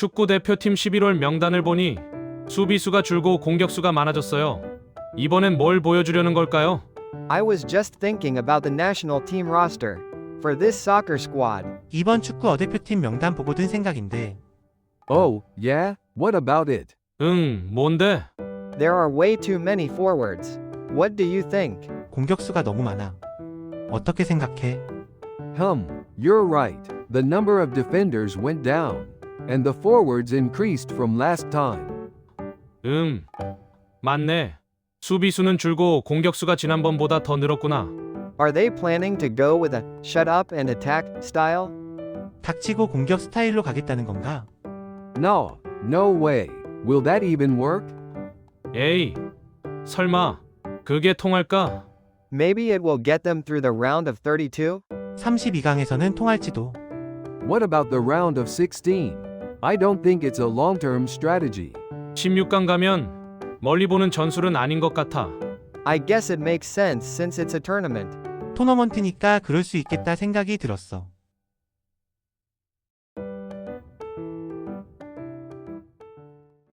축구 대표팀 11월 명단을 보니 수비수가 줄고 공격수가 많아졌어요. 이번엔 뭘 보여주려는 걸까요? I was just thinking about the national team roster for this soccer squad. 이번 축구 어대표팀 명단 보고 든 생각인데 Oh, yeah? What about it? 뭔데? There are way too many forwards. What do you think? 공격수가 너무 많아. 어떻게 생각해? You're right. The number of defenders went down, and the forwards increased from last time. 맞네. 수비수는 줄고 공격수가 지난번보다 더 늘었구나. Are they planning to go with a shut up and attack style? 닥치고 공격 스타일로 가겠다는 건가? No, no way. Will that even work? 에이, 설마 그게 통할까? Maybe it will get them through the round of 32? 32강에서는 통할지도. What about the round of 16? I don't think it's a long-term strategy. 16강 가면 멀리 보는 전술은 아닌 것 같아. I guess it makes sense since it's a tournament. 토너먼트니까 그럴 수 있겠다 생각이 들었어.